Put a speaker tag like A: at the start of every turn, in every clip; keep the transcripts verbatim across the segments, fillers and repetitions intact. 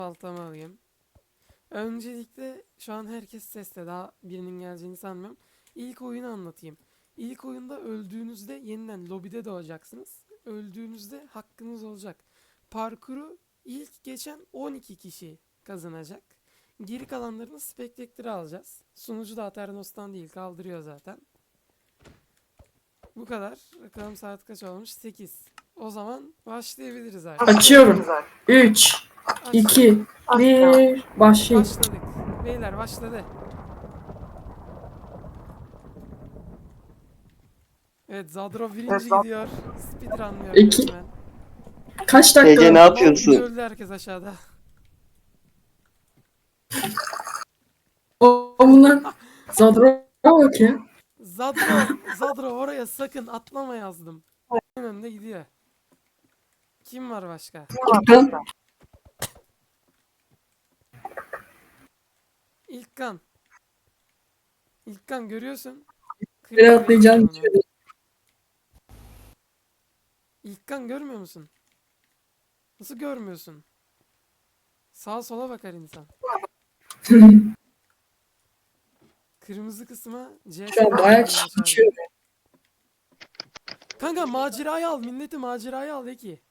A: Baltamı alayım. Öncelikle şu an herkes seste. Daha birinin geleceğini sanmıyorum. İlk oyunu anlatayım. İlk oyunda öldüğünüzde yeniden lobide doğacaksınız. Öldüğünüzde hakkınız olacak. Parkuru ilk geçen on iki kişi kazanacak. Geri kalanlarını Spectator'a alacağız. Sunucu da Aternos'tan değil, kaldırıyor zaten. Bu kadar. Bakalım saat kaç olmuş? sekiz. O zaman başlayabiliriz artık.
B: Açıyorum. üç,
A: Aç.
B: iki, bir, başlayın.
A: Başladık. Beyler başladı. Evet, Zadro birinci gidiyor. Speedrunlıyorum
B: İki.
A: resmen.
B: Kaç
C: Ece ne
B: dakika?
A: Mal gibi
C: yapıyorsun?
A: öldü herkes aşağıda.
B: O bunlar Zadra bak ya.
A: Zadro, Zadro oraya sakın atlama yazdım. En önde gidiyor. Kim var başka?
B: Ben
A: İlkan. İlkan görüyorsun.
B: bir
A: Kırmızı
B: atlayacağım.
A: geçiyor onu. İlkan görmüyor musun? Nasıl görmüyorsun? Sağa sola bakar insan. Kırmızı kısma C
B: Şu an
A: S
B: bayağı
A: yazmayı
B: kişi
A: başardı.
B: geçiyor.
A: Kanka macerayı al. Milleti macerayı al Eki.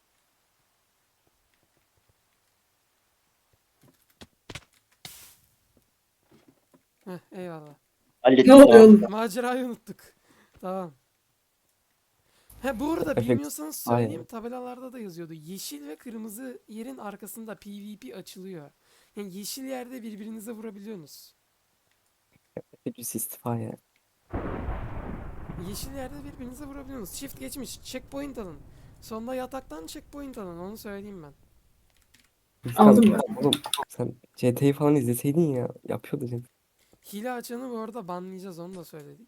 A: Heh, eyvallah.
C: Hallettik
B: Ne oluyor
C: tamam.
B: oğlum?
A: Macerayı unuttuk. Tamam. He bu arada
D: Efekt.
A: bilmiyorsanız söyleyeyim,
D: Aynen.
A: tabelalarda da yazıyordu. Yeşil ve kırmızı yerin arkasında PvP açılıyor. Yani yeşil yerde birbirinize vurabiliyorsunuz.
D: Hepsi istifa ya.
A: Yeşil yerde birbirinize vurabiliyorsunuz. Shift geçmiş. Checkpoint alın. Sonunda yataktan checkpoint alın. Onu söyleyeyim ben.
D: İlkan,
B: Aldım ya.
D: oğlum sen C T'yi falan izleseydin ya. Yapıyordu canım.
A: Hile açanı bu arada banlayacağız. Onu da söyledik.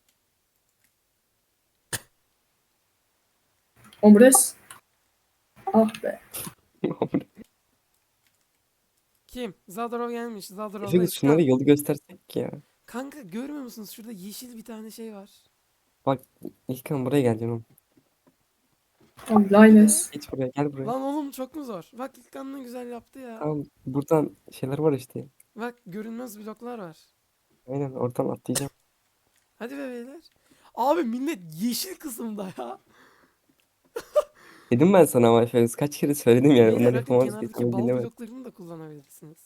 B: Omres. Ah be.
A: Kim? Zadrov gelmiş. Zadrov'la
D: Efekt şunlara
A: İlkan.
D: yolu göstersek ya.
A: Kanka görmüyor musunuz? Şurada yeşil bir tane şey var.
D: Bak İlkan buraya gel canım.
B: Tamam, Lines.
D: Geç buraya, gel buraya.
A: Lan oğlum çok mu zor? Bak İlkan ne güzel yaptı ya.
D: Tamam, buradan şeyler var işte.
A: Bak görünmez bloklar var.
D: Aynen, oradan atlayacağım.
A: Hadi be beyler. Abi millet yeşil kısımda ya.
D: Dedim ben sana ama Efekt kaç kere söyledim yani.
A: Beyler
D: Onları
A: bakın
D: yapamaz diye,
A: kenardaki
D: sen
A: bal
D: dinlemez.
A: bloklarını da kullanabilirsiniz.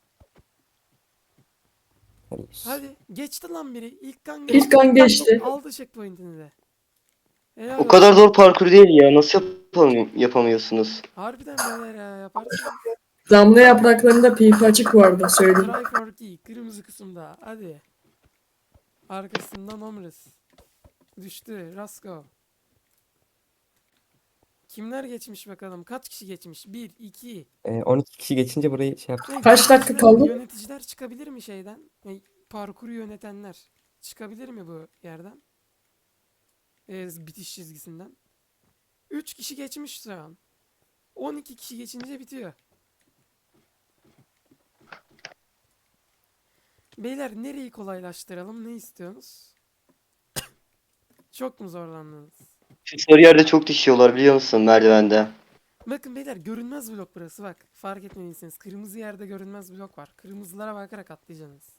D: Yani,
A: Hadi geçti lan biri. İlk kan geçti.
B: İlk an geçti.
A: Aldı checkpoint'ini de. Helal
C: O
A: olsun.
C: kadar zor parkur değil ya. Nasıl yapam yapamıyorsunuz?
A: Harbiden beyler ya yaparsınız.
B: Damla yapraklarında pipi açık bu arada söyleyeyim.
A: Try for key. Kırmızı kısımda. Hadi. Arkasından Omris. Düştü. Rasko. Kimler geçmiş bakalım? Kaç kişi geçmiş? bir, iki.
D: e, on iki kişi geçince burayı şey yaptık.
A: Ne,
B: Kaç dakika
A: yöneticiler-
B: kaldı?
A: Yöneticiler çıkabilir mi şeyden? Ne, parkuru yönetenler çıkabilir mi bu yerden? Ee, bitiş çizgisinden. üç kişi geçmiş şu an. on iki kişi geçince bitiyor. Beyler nereyi kolaylaştıralım? Ne istiyorsunuz? Çok mu zorlandınız?
C: Şu sarı yerde çok düşüyorlar biliyor musun merdivende?
A: Bakın beyler görünmez blok burası bak. Fark etmediyseniz kırmızı yerde görünmez blok var. Kırmızılara bakarak atlayacaksınız.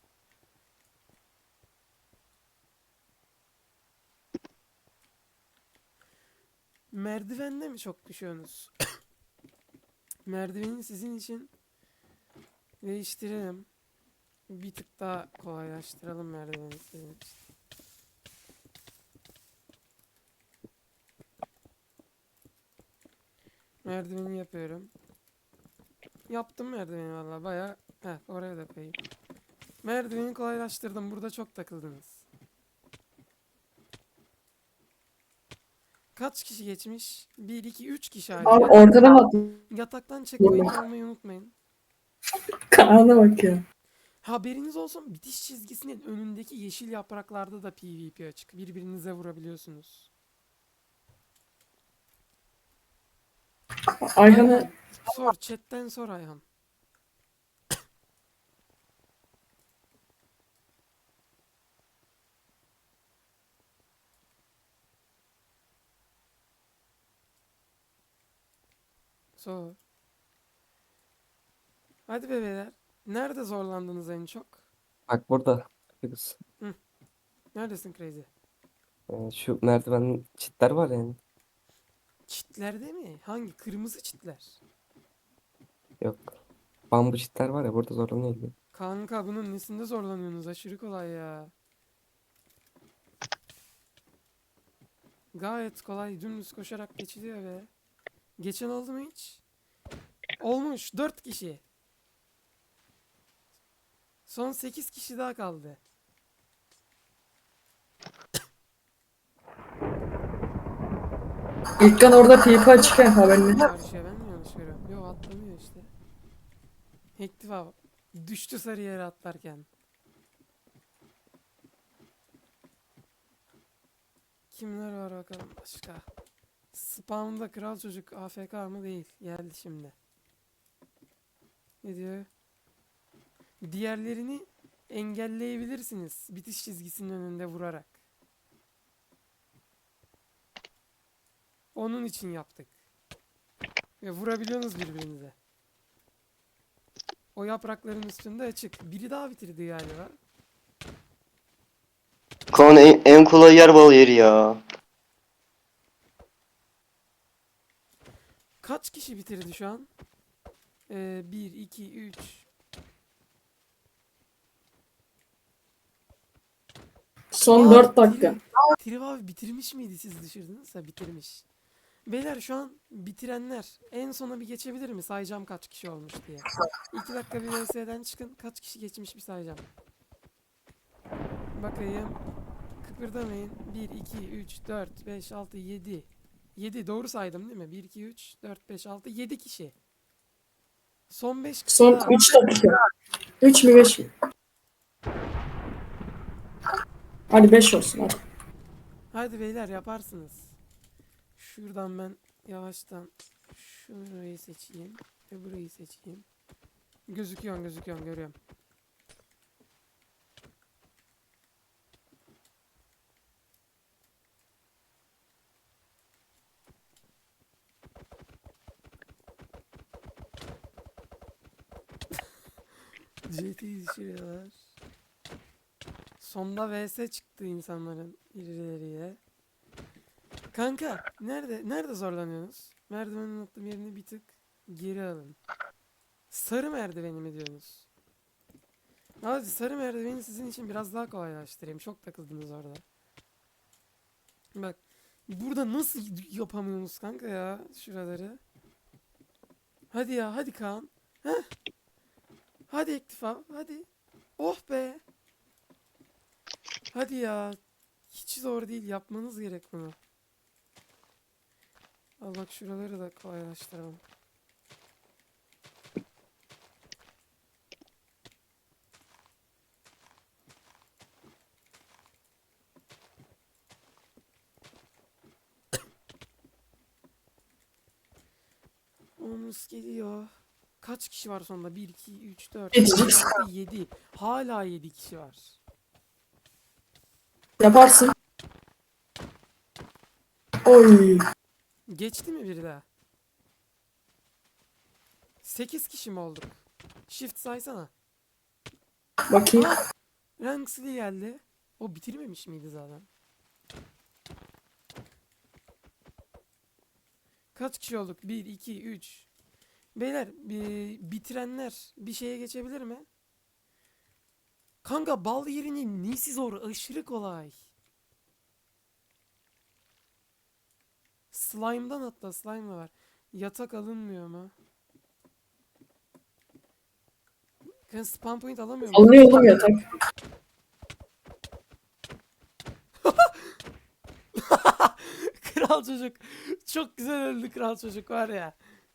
A: Merdivende mi çok düşüyorsunuz? Merdiveni sizin için değiştirelim. Bir tık daha kolaylaştıralım merdiveni sizin için. Merdiveni yapıyorum. Yaptım merdiveni valla baya. Heh, oraya da koyayım. Merdiveni kolaylaştırdım. Burada çok takıldınız. Kaç kişi geçmiş? bir, iki, üç kişi
B: Abi
A: hala.
B: oradan atla.
A: Yataktan checkpoint almayı unutmayın.
B: Kaan'a bak ya.
A: Haberiniz olsun, bitiş çizgisinin önündeki yeşil yapraklarda da PvP açık. Birbirinize vurabiliyorsunuz.
B: Ayhan'a
A: Ayhan, sor chatten sor Ayhan. Sor. Hadi bebeler. Nerede zorlandınız en çok?
D: Bak burada. Yapıyoruz.
A: Neredesin Crazy?
D: Ee, şu merdiven çitler var yani.
A: Çitlerde mi? Hangi? Kırmızı çitler.
D: Yok. Bambu çitler var ya burada zorlanıyor gibi.
A: Kanka bunun nesinde zorlanıyorsunuz? Aşırı kolay ya. Gayet kolay. Dümdüz koşarak geçiliyor be. Geçen oldu mu hiç? Olmuş. Dört kişi. Son sekiz kişi daha kaldı.
B: İlkan orada pipa açık ya haberin.
A: Karşıya ben mi yanlış görüyorum? Yok atlamıyor işte. Hektiva düştü sarı yere atlarken. Kimler var bakalım başka? Spawn'da kral çocuk A F K mı değil. Geldi şimdi. Ne diyor? Diğerlerini engelleyebilirsiniz. Bitiş çizgisinin önünde vurarak. Onun için yaptık. Ve vurabiliyorsunuz birbirinize. O yaprakların üstünde açık. Biri daha bitirdi galiba.
C: Kaan en, en kolay yer bal yeri ya.
A: Kaç kişi bitirdi şu an? Ee, bir, iki, üç.
B: Son
A: Aa,
B: dört dakika.
A: Triv- Triv abi bitirmiş miydi siz düşürdünüzse bitirmiş. Beyler şu an bitirenler en sona bir geçebilir mi? Sayacağım kaç kişi olmuş diye. iki dakika bir V S'den çıkın. Kaç kişi geçmiş bir sayacağım. Bakayım. Kıpırdamayın. bir, iki, üç, dört, beş, altı, yedi. yedi doğru saydım değil mi? bir, iki, üç, dört, beş, altı, yedi kişi. Son beş kişi
B: Son
A: daha.
B: üç dakika. üç mü beş mi? Hadi beş olsun hadi.
A: Hadi beyler yaparsınız. Şuradan ben yavaştan şurayı seçeyim ve burayı seçeyim. Gözüküyor gözüküyor görüyorum. C T'yi düşürüyorlar. Sonda V S çıktı insanların irileriye. Kanka nerede nerede zorlanıyorsunuz? Merdivenin attığım yerini bir tık geri alın. Sarı merdiveni mi diyorsunuz? Hadi sarı merdiveni sizin için biraz daha kolaylaştırayım. Çok takıldınız orada. Bak burada nasıl yapamıyorsunuz kanka ya şuraları? Hadi ya hadi Kaan. Heh. Hadi Ektifa hadi. Oh be. Hadi ya. Hiç zor değil yapmanız gerek bunu. Al bak şuraları da kolaylaştıralım. Omuz geliyor. Kaç kişi var sonunda? bir, iki, üç, dört, beş,
B: Yeteceksin.
A: altı, yedi. Hala yedi kişi var.
B: Yaparsın. Oy.
A: Geçti mi biri daha? sekiz kişi mi olduk? Shift saysana.
B: Bakayım.
A: Ah! Ranksli geldi. O bitirmemiş miydi zaten? Kaç kişi olduk? bir, iki, üç. Beyler bi- bitirenler bir şeye geçebilir mi? Kanka bal yerinin nesi zor? Aşırı kolay. Slime'dan atla. Slime da var. Yatak alınmıyor mu? Kanka spawn point alamıyor musun?
B: Alınıyor oğlum yatak.
A: Kral çocuk. Çok güzel öldü kral çocuk var ya.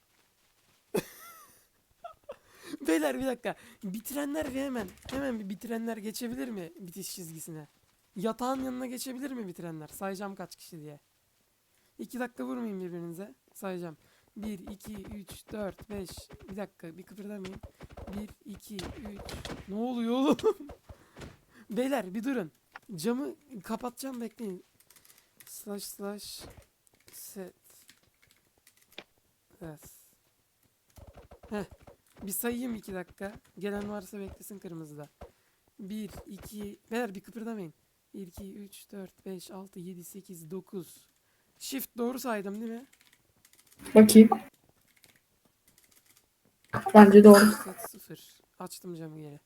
A: Beyler bir dakika. Bitirenler bir hemen. Hemen bir bitirenler geçebilir mi bitiş çizgisine? Yatağın yanına geçebilir mi bitirenler? Sayacağım kaç kişi diye. iki dakika vurmayın birbirinize. Sayacağım. bir, iki, üç, dört, beş. Bir dakika bir kıpırdamayın. bir, iki, üç. Ne oluyor oğlum? Beyler bir durun. Camı kapatacağım bekleyin. Slash slash set. Evet. Heh. Bir sayayım iki dakika. Gelen varsa beklesin kırmızıda. bir, iki, beyler bir kıpırdamayın. bir, iki, üç, dört, beş, altı, yedi, sekiz, dokuz. Shift doğru saydım değil mi?
B: Bakayım. Bence doğru.
A: Set sıfır. Açtım camı geri.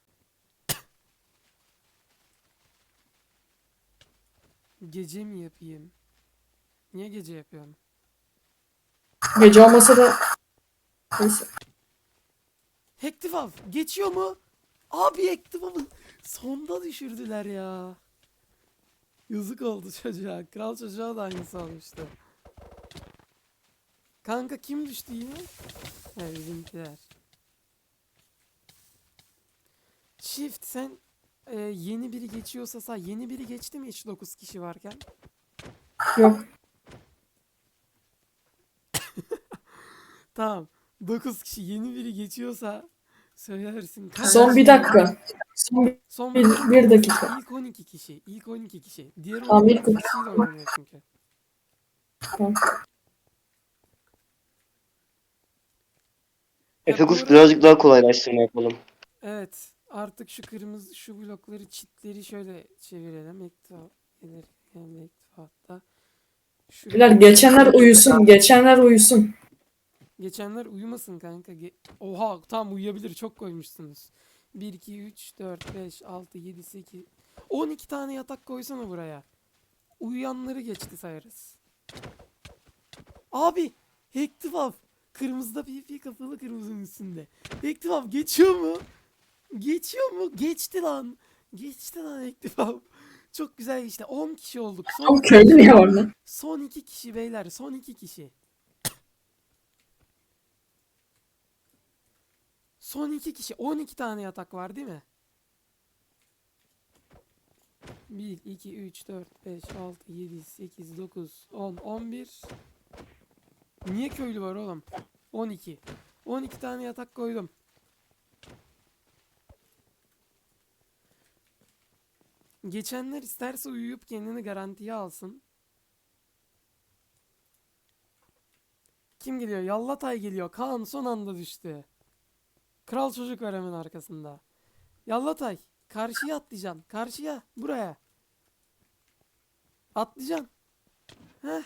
A: Gece mi yapayım? Niye gece yapıyorum?
B: Gece olmasa da neyse.
A: Hektifav geçiyor mu? Abi Hektifav'ı sonda düşürdüler ya. Yazık oldu çocuğa. Kral çocuğa da aynısı olmuştu. Kanka kim düştü yine? He bizimkiler. Shift sen e, yeni biri geçiyorsa say. Yeni biri geçti mi hiç dokuz kişi varken?
B: Yok.
A: Tamam. dokuz kişi yeni biri geçiyorsa söylersin. Kaç
B: Son bir
A: kişi?
B: dakika. Son
A: Son
B: bir,
A: bir,
B: bir dakika.
A: ilk on iki kişi. İlk on iki kişi. Diğer
B: Tamam,
A: on
B: ilk
A: iki kişiyle oynanıyor çünkü.
B: Tamam.
A: Ya bu
C: Efegus
A: arada-
C: birazcık daha kolaylaştırma yapalım.
A: Evet. Artık şu kırmızı şu blokları çitleri şöyle çevirelim. Ekta gelir yani ektifaatta. Şu
B: Beyler geçenler uyusun. Geçenler uyusun.
A: geçenler uyumasın kanka. Ge- Oha tam uyuyabilir çok koymuşsunuz. bir iki üç dört beş altı yedi sekiz on iki tane yatak koysana buraya. Uyuyanları geçti sayarız. Abi Hektifav kırmızıda P P kapalı kırmızının üstünde. Hektifav geçiyor mu? Geçiyor mu? Geçti lan. Geçti lan Hektifav. Çok güzel işte. on kişi olduk. Son
B: Tam
A: iki
B: köylü
A: kişi.
B: niye var lan?
A: Son iki kişi beyler. Son iki kişi. Son iki kişi. on iki tane yatak var değil mi? bir, iki, üç, dört, beş, altı, yedi, sekiz, dokuz, on, on bir. Niye köylü var oğlum? on iki. on iki tane yatak koydum. Geçenler isterse uyuyup kendini garantiye alsın. Kim geliyor? Yallatay geliyor. Kaan son anda düştü. Kral çocuk var hemen arkasında. Yallatay. Karşıya atlayacaksın. Karşıya. Buraya. Atlayacaksın. Heh.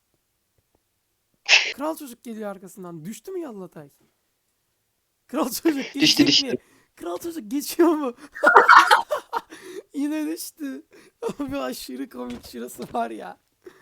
A: Kral çocuk geliyor arkasından. Düştü mü Yallatay? Kral çocuk
C: Düştü,
A: geçecek
C: düştü.
A: mi? Kral çocuk geçiyor mu? Yine düştü. Abi aşırı komik şurası var ya.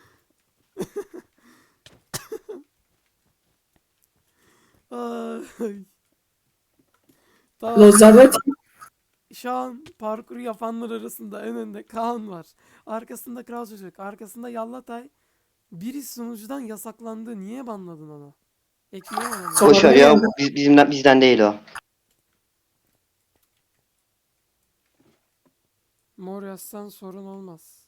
A: Ay. Tamam.
B: Lozaret.
A: Şu an parkuru yapanlar arasında en önde Kaan var. Arkasında Kral Çocuk. Arkasında Yallatay. Biri sunucudan yasaklandı. Niye banladın onu? Ekleyelim onu.
B: Sonra-
C: Boş ver ya. Biz, bizimden, bizden değil o.
A: Mor yazsan sorun olmaz.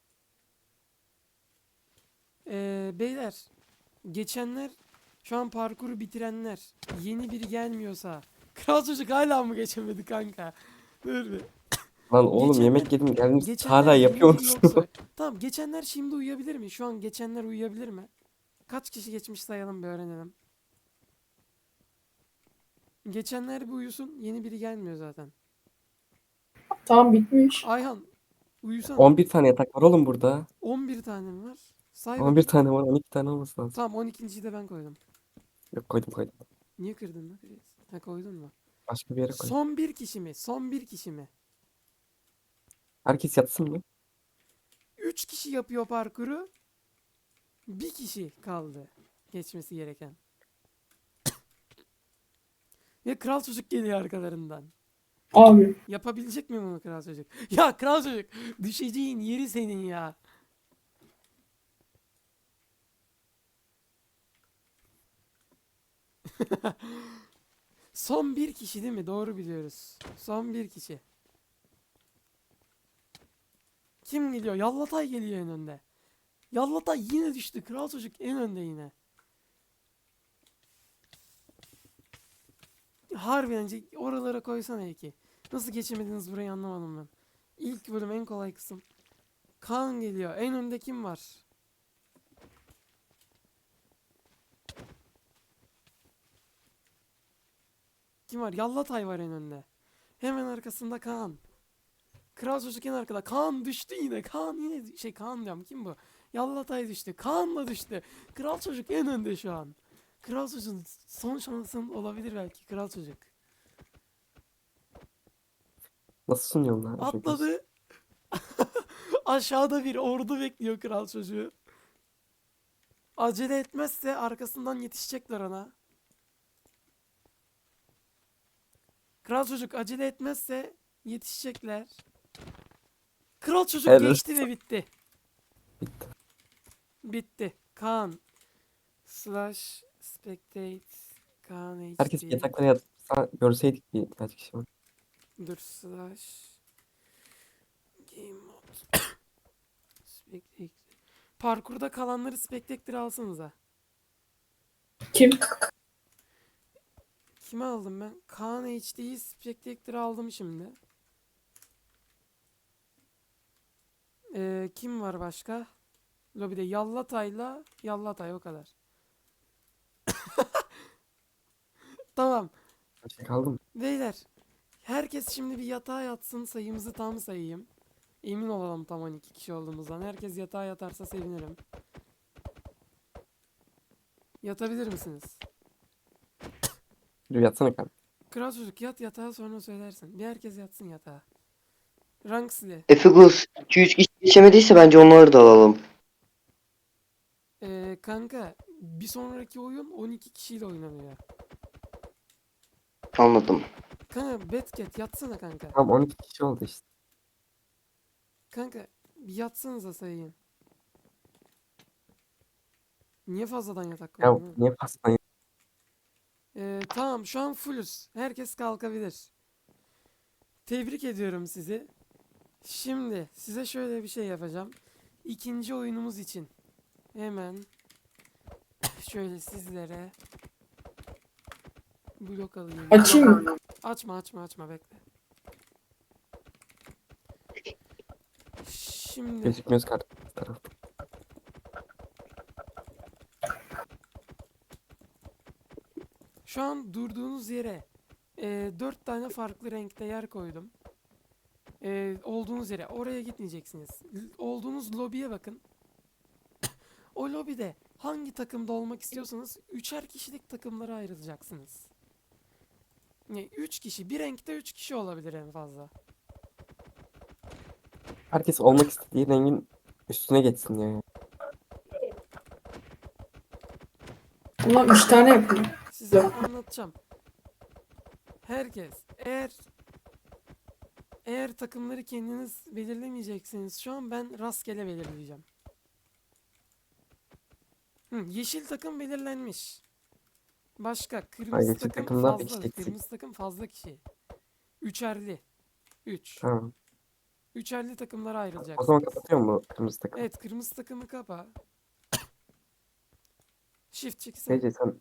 A: Ee, beyler. Geçenler şu an parkuru bitirenler. Yeni biri gelmiyorsa. Kral Çocuk hala mı geçemedi kanka? Dur bir.
D: Lan oğlum
A: Geçenler-
D: yemek yedim geldim
A: Geçenler
D: hala
A: yeni
D: yapıyor
A: biri
D: musun?
A: yoksa- Tamam geçenler şimdi uyuyabilir mi? Şu an geçenler uyuyabilir mi? Kaç kişi geçmiş sayalım bir öğrenelim. Geçenler bir uyusun. Yeni biri gelmiyor zaten.
B: Tamam bitmiş.
A: Ayhan uyusana.
D: on bir tane yatak var oğlum burada.
A: on bir tane mi var? Say
D: on bir
A: bakayım.
D: tane var on iki tane olması lazım.
A: Tamam on ikinciyi de ben koydum.
D: Yok koydum koydum.
A: Niye kırdın lan? Kriz? Ha koydun mu?
D: Başka bir yere koydum.
A: Son bir kişi mi? Son bir kişi mi?
D: Herkes yatsın mı?
A: Üç kişi yapıyor parkuru. Bir kişi kaldı. Geçmesi gereken. Ve kral çocuk geliyor arkalarından.
B: Abi.
A: Yapabilecek mi bunu kral çocuk? Ya kral çocuk düşeceğin yeri senin ya. Son bir kişi değil mi? Doğru biliyoruz. Son bir kişi. Kim geliyor? Yallatay geliyor en önde. Yallatay yine düştü. Kral çocuk en önde yine. Harbiden ce- oralara koysana Eki. Nasıl geçemediniz burayı anlamadım ben. İlk bölüm en kolay kısım. Kaan geliyor. En önde kim var? Kim var? Yallatay var en önde. Hemen arkasında Kaan. Kral çocuk en arkada. Kaan düştü yine. Kaan yine şey Kaan diyorum. Kim bu? Yallatay düştü. Kaan da düştü. Kral çocuk en önde şu an. Kral çocuğun son şansın olabilir belki. Kral çocuk.
D: Nasıl sunuyorsun lan? Çok iyi.
A: Atladı. Aşağıda bir ordu bekliyor kral çocuğu. Acele etmezse arkasından yetişecekler ona. Kral çocuk acele etmezse yetişecekler. Kral çocuk
D: Evet.
A: geçti ve bitti.
D: Bitti.
A: Bitti. Kaan slash spectate Kaan
D: Herkes
A: H D.
D: yataklara yatsa görseydik bir kaç kişi var.
A: Dur slash game mode spectate. Parkurda kalanları spectator'a alsanıza.
B: Kim?
A: Kime aldım ben? Kaan H D'yi spectator'a aldım şimdi. Ee, kim var başka? Lobide Yallatay'la Yallatay o kadar. Tamam.
D: Kaç kaldı mı?
A: Beyler. Herkes şimdi bir yatağa yatsın. Sayımızı tam sayayım. Emin olalım tam on iki kişi olduğumuzdan. Herkes yatağa yatarsa sevinirim. Yatabilir misiniz?
D: Dur yatsana kanka.
A: Kral çocuk yat yatağa sonra söylersin. Bir herkes yatsın yatağa. Ranksli.
C: Efegus iki üç kişi geçemediyse bence onları da alalım.
A: Ee, kanka bir sonraki oyun on iki kişiyle oynanıyor.
C: Anladım.
A: Kanka Batcat yatsana kanka.
D: Tamam on iki kişi oldu işte.
A: Kanka bir yatsanıza sayayım. Niye fazladan yatak
D: Ya
A: koydun?
D: niye pastan
A: Ee, tamam şu an fullüz. Herkes kalkabilir. Tebrik ediyorum sizi. Şimdi size şöyle bir şey yapacağım. İkinci oyunumuz için hemen şöyle sizlere blok alayım.
B: Açayım mı?
A: Açma açma açma bekle. Şimdi
D: gözükmüyoruz karşı tarafta.
A: şu an durduğunuz yere e, dört tane farklı renkte yer koydum. E, olduğunuz yere oraya gitmeyeceksiniz. L- olduğunuz lobiye bakın. O lobide hangi takımda olmak istiyorsanız üçer kişilik takımlara ayrılacaksınız. Yani üç kişi, bir renkte üç kişi olabilir en fazla.
D: Herkes olmak istediği rengin üstüne geçsin ya.
B: Ama üç tane yapıyor.
A: Size anlatacağım. Herkes eğer eğer takımları kendiniz belirlemeyeceksiniz şu an ben rastgele belirleyeceğim. Hı, yeşil takım belirlenmiş. Başka kırmızı
D: yeşil
A: takım
D: takımdan bir
A: fazla.
D: kişi eksik.
A: Kırmızı takım fazla kişi. Üçerli. Üç.
D: Tamam.
A: Üçerli takımlara
D: O zaman
A: ayrılacaksınız.
D: kapatıyor mu bu kırmızı takım?
A: Evet kırmızı takımı kapa. Shift çeksin.
D: Gece sen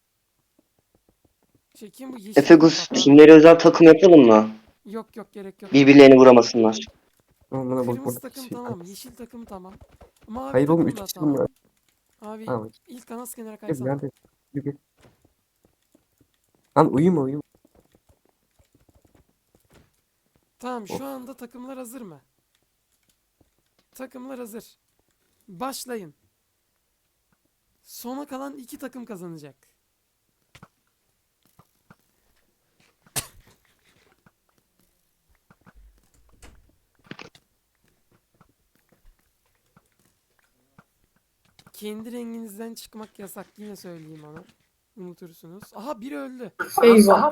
A: Şey kim bu yeşil
C: Efegus
A: kapa?
C: kimlere özel takım yapalım mı?
A: Yok yok gerek yok.
C: Birbirlerini vuramasınlar.
D: Oğlum buna bak
A: Kırmızı
D: burada
A: takım
D: kişi.
A: tamam. Yeşil takım tamam. Mavi
D: Hayır oğlum
A: takım
D: üç
A: da
D: kişi mi
A: tamam.
D: var?
A: Abi
D: Tamam.
A: ilk ana kenara
D: Gel
A: kaysana.
D: nerede? Gel gel. Lan uyuma uyuma.
A: Tamam şu
D: Of.
A: anda takımlar hazır mı? Takımlar hazır. Başlayın. Sona kalan iki takım kazanacak. Kendi renginizden çıkmak yasak. Yine söyleyeyim onu. Unutursunuz. Aha biri öldü.
B: Eyvah.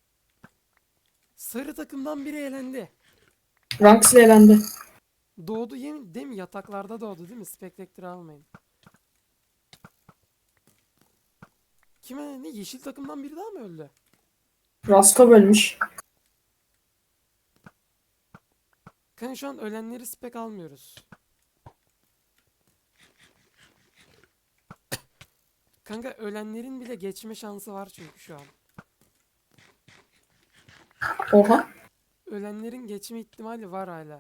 A: Sarı takımdan biri elendi.
B: Ranks elendi.
A: Doğdu yemin değil mi? Yataklarda doğdu değil mi? Spectre almayın. Kime ne? Yeşil takımdan biri daha mı öldü?
B: Rasko bölmüş.
A: Kanka şu an ölenleri spek almıyoruz. Kanka ölenlerin bile geçme şansı var çünkü şu an.
B: Oha.
A: Ölenlerin geçme ihtimali var hala.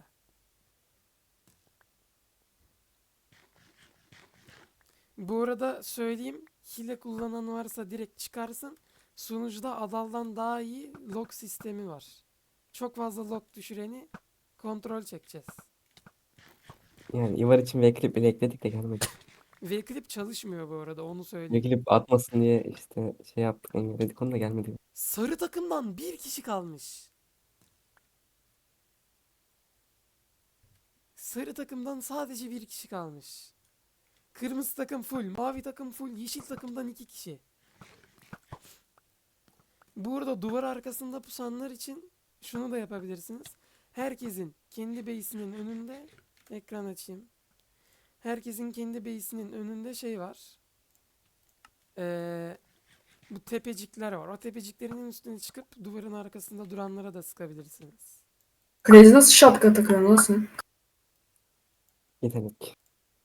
A: Bu arada söyleyeyim. Hile kullanan varsa direkt çıkarsın. Sunucuda Adal'dan daha iyi log sistemi var. Çok fazla log düşüreni kontrol çekeceğiz.
D: Yani Ivar için Vclip bile ekledik de gelmedi.
A: Vclip çalışmıyor bu arada, onu söyleyeyim.
D: Vclip atmasın diye işte şey yaptık, engelledik, onu da gelmedi.
A: Sarı takımdan bir kişi kalmış. Sarı takımdan sadece bir kişi kalmış. Kırmızı takım full, mavi takım full, yeşil takımdan iki kişi. Burada duvar arkasında pusanlar için şunu da yapabilirsiniz. Herkesin kendi base'inin önünde, ekran açayım. Herkesin kendi base'inin önünde şey var. Ee, bu tepecikler var. O tepeciklerin üstüne çıkıp duvarın arkasında duranlara da sıkabilirsiniz.
B: Crazy nasıl şapka takıyorsun lan sen?
D: Yetenek.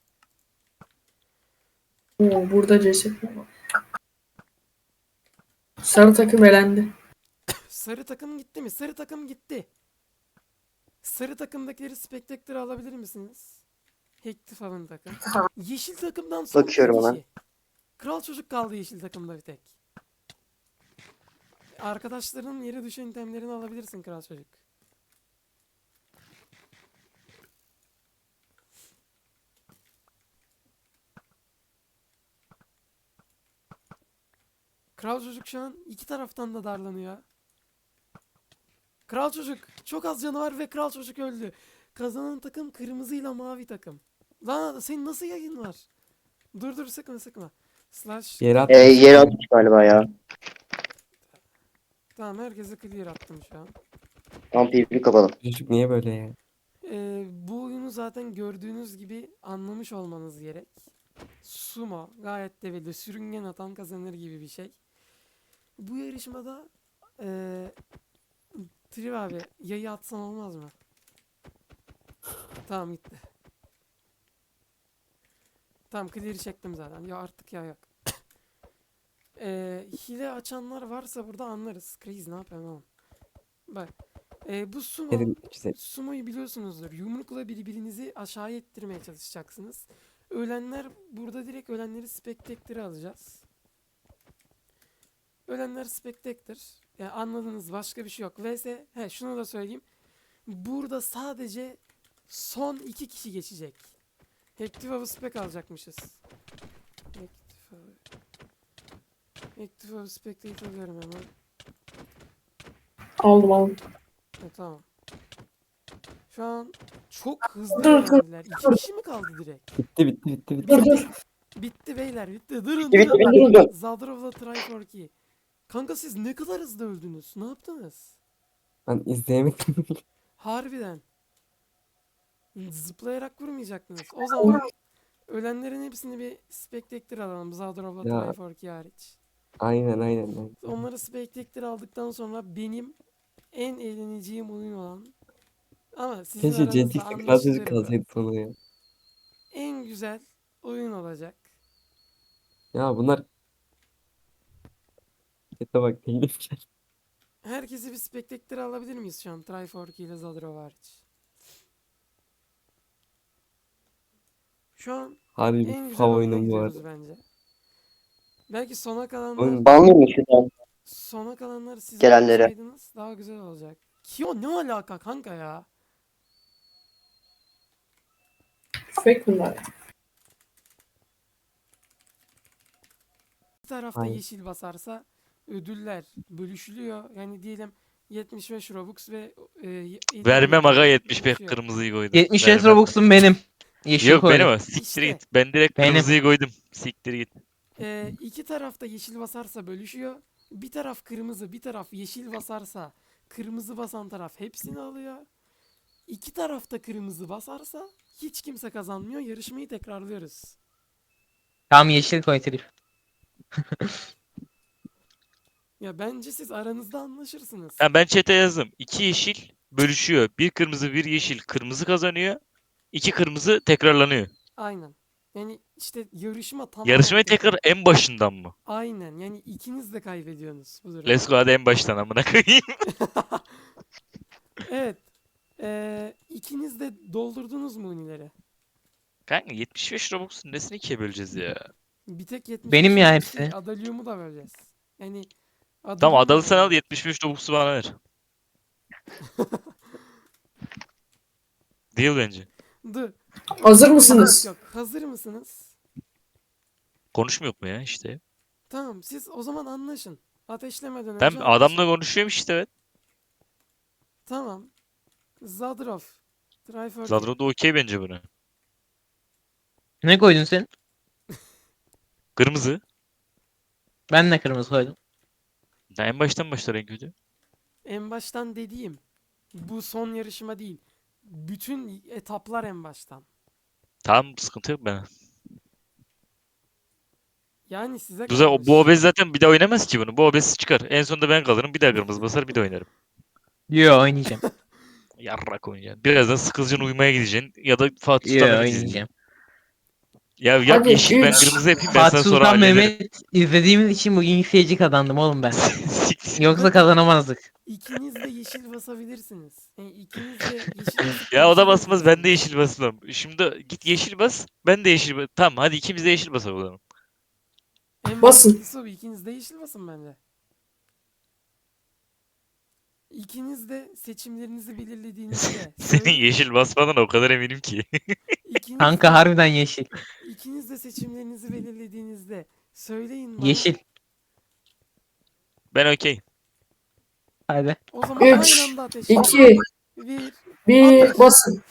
B: Oo, burada ceset var. Sarı takım elendi.
A: Sarı takım gitti mi? Sarı takım gitti. Sarı takımdakileri Spectator alabilir misiniz? Hektifav'ın takım. Yeşil takımdan son
C: Bakıyorum
A: bir
C: hemen.
A: kişi. Kral çocuk kaldı yeşil takımda bir tek. Arkadaşların yere düşen itemlerini alabilirsin kral çocuk. Kral çocuk şu an iki taraftan da darlanıyor. Kral çocuk çok az canı var ve kral çocuk öldü. Kazanan takım kırmızıyla mavi takım. Lan senin nasıl yayın var? Dur dur sıkma sıkma. Slash.
D: Yere at.
C: E, yere atmış galiba ya.
A: Tamam, herkese clear attım şu an.
C: Tam P V P kapalı.
D: Çocuk niye böyle ya?
A: Ee, bu oyunu zaten gördüğünüz gibi anlamış olmanız gerek. Sumo gayet de belli. Sürüngen atan kazanır gibi bir şey. Bu yarışmada ee, Triv abi yayı atsan olmaz mı? Tamam gitti. Tamam clear'i çektim zaten. Ya artık ya yok. Ee, hile açanlar varsa burada anlarız. Crazy ne yapıyorsun oğlum? Bak. ee, bu sumo
D: Dedim güzel.
A: Sumo'yu biliyorsunuzdur. Yumrukla birbirinizi aşağıya ittirmeye çalışacaksınız. Ölenler burada direkt ölenleri Spectator'a alacağız. Ölenler Spectator. Yani anladınız, başka bir şey yok. Vs he şunu da söyleyeyim. Burada sadece son iki kişi geçecek. Hektifav'ı spec alacakmışız. Hektifav'ı Hektifav'ı Spectator alıyorum hemen.
B: Aldım aldım.
A: E, tamam. Şu an çok hızlı
B: Dur, dur,
A: öğrendiler. İki kişi mi kaldı direkt?
D: Bitti bitti bitti bitti.
B: Dur dur.
A: Bitti beyler bitti. Durun
C: Bitti bitti
A: durun.
C: bitti. bitti.
A: Zadrov'la Try for Key. Kanka siz ne kadar hızlı öldünüz? Ne yaptınız?
D: Ben izleyemedim.
A: Harbiden. Zıplayarak vurmayacaktınız. O zaman ölenlerin hepsini bir Spectator alalım. Zadrov'la
D: Ya.
A: Try for Key hariç.
D: Aynen aynen. aynen.
A: Onları Spectator aldıktan sonra benim en eğleneceğim oyun olan ama sizin
D: Keşke
A: aranızda
D: Jetix'le kral çocuk
A: anlaşılır bu.
D: kalsaydı sonra ya.
A: En güzel oyun olacak.
D: Ya bunlar... Chat'e bak teklif gel.
A: Herkesi bir Spectator alabilir miyiz şu an? Try for Key ile Zadrov hariç. Şu an
D: Harbi
A: en
D: bir
A: güzel
D: fav
A: oyuna
D: oyunum bu
A: gidiyoruz
D: arada.
A: bence. Belki sona kalanlar
D: Oyun
C: Banlıyor şuradan?
A: sona kalanlar siz
C: Gelenlere.
A: yapsaydınız daha güzel olacak. Kyo ne alaka kanka ya?
B: Fake bunlar.
A: Bir tarafta
D: Aynen.
A: yeşil basarsa ödüller bölüşülüyor. Yani diyelim yetmiş beş Robux ve e, elli
E: Vermem aga yetmiş beş
A: bölüşüyor.
E: kırmızıyı koydum.
F: yetmiş beş
E: Vermem.
F: Robux'um benim. Yeşil
E: Yok
F: koydum.
E: benim o. Siktir
A: İşte.
E: git. Ben direkt
F: Benim.
E: kırmızıyı koydum. Siktir git.
A: E, iki tarafta yeşil basarsa bölüşüyor. Bir taraf kırmızı, bir taraf yeşil basarsa kırmızı basan taraf hepsini alıyor. İki tarafta kırmızı basarsa hiç kimse kazanmıyor. Yarışmayı tekrarlıyoruz.
F: Tam yeşil koy Trif.
A: Ya bence siz aranızda anlaşırsınız.
E: Ha, ben chat'e yazdım. İki yeşil bölüşüyor. Bir kırmızı bir yeşil. Kırmızı kazanıyor. İki kırmızı tekrarlanıyor.
A: Aynen. Yani işte yarışma tamamen
E: Yarışmayı
A: tekrar.
E: tekrar en başından mı?
A: Aynen. Yani ikiniz de kaybediyorsunuz bu durumda.
E: Let's go hadi en baştan amına koyayım.
A: Evet. Ee, ikiniz de doldurdunuz mu unileri?
E: Kanka yetmiş beş Robux'un nesini ikiye böleceğiz ya?
A: Bir tek yetmiş
F: Benim
A: beş
F: ya
A: yetmiş beş
F: hepsi.
A: Adalyum'u da böleceğiz. Yani Adını
E: Tamam adalı sen al
A: bilmiyorum.
E: yetmiş beş Robux'u bana ver. Değil bence.
A: Dur.
B: Hazır mısınız?
A: Yok. Hazır mısınız?
E: Konuşmuyor mu ya işte?
A: Tamam siz o zaman anlaşın. Ateşlemeden
E: Ben
A: önce anlaşın.
E: adamla konuşuyorum işte evet.
A: Tamam. Zadrov. Try for
E: Zadro da okey bence buna.
F: Ne koydun sen?
E: Kırmızı.
F: Ben de kırmızı koydum.
E: Ya en baştan başlar en kötü.
A: En baştan dediğim bu son yarışma değil. Bütün etaplar en baştan.
E: Tamam sıkıntı yok ben.
A: Yani size
E: Bu, za-
A: kalmış.
E: bu obez zaten bir daha oynamaz ki bunu. Bu obez çıkar. En sonunda ben kalırım. Bir daha kırmızı basar bir de oynarım.
F: Yo oynayacağım.
E: Yarrak oynayacaksın. Birazdan sıkılacaksın uyumaya gideceksin. Ya da Fatih
F: Yo
E: Sultan Mehmet izleyeceksin.
F: oynayacağım.
E: Ya yap
B: Hadi,
E: yeşil ben
B: üç.
E: kırmızı yapayım ben
F: Fatih
E: sana sonra
F: Sultan
E: hallederim.
F: Mehmet izlediğimiz için bugün seyirci kazandım oğlum ben.
E: Siktir.
F: Yoksa kazanamazdık.
A: İkiniz de yeşil basabilirsiniz. Yani ikiniz de yeşil basıp
E: Ya o da basmaz ben de
A: konuşabilirsiniz.
E: yeşil basmam. Şimdi git yeşil bas ben de yeşil bas. Tamam hadi ikimiz de yeşil basalım o zaman.
A: En
B: Basın.
A: mantıklısı o. İkiniz de yeşil basın bence. İkiniz de seçimlerinizi belirlediğinizde
E: Senin
A: söyle-
E: yeşil basmadan o kadar eminim ki.
A: ikiniz
F: Kanka
A: de,
F: harbiden yeşil.
A: ikiniz de seçimlerinizi belirlediğinizde söyleyin bana.
F: Yeşil.
E: Ben okey.
F: Hadi.
A: O zaman
B: Üç,
A: aynı anda ateşleyin.
B: iki,
A: Bir.
B: bir, basın.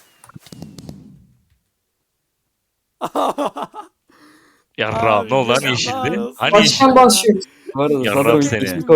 E: Yarrağım
A: Abi,
E: ne oldu hani
A: yazıklar
E: yeşildi?
A: olsun.
E: Hani
B: Başkan
E: yeşil?
B: başlıyor.
D: Bu arada
E: Yarrağım
D: Zadro
E: seni.
D: yeşil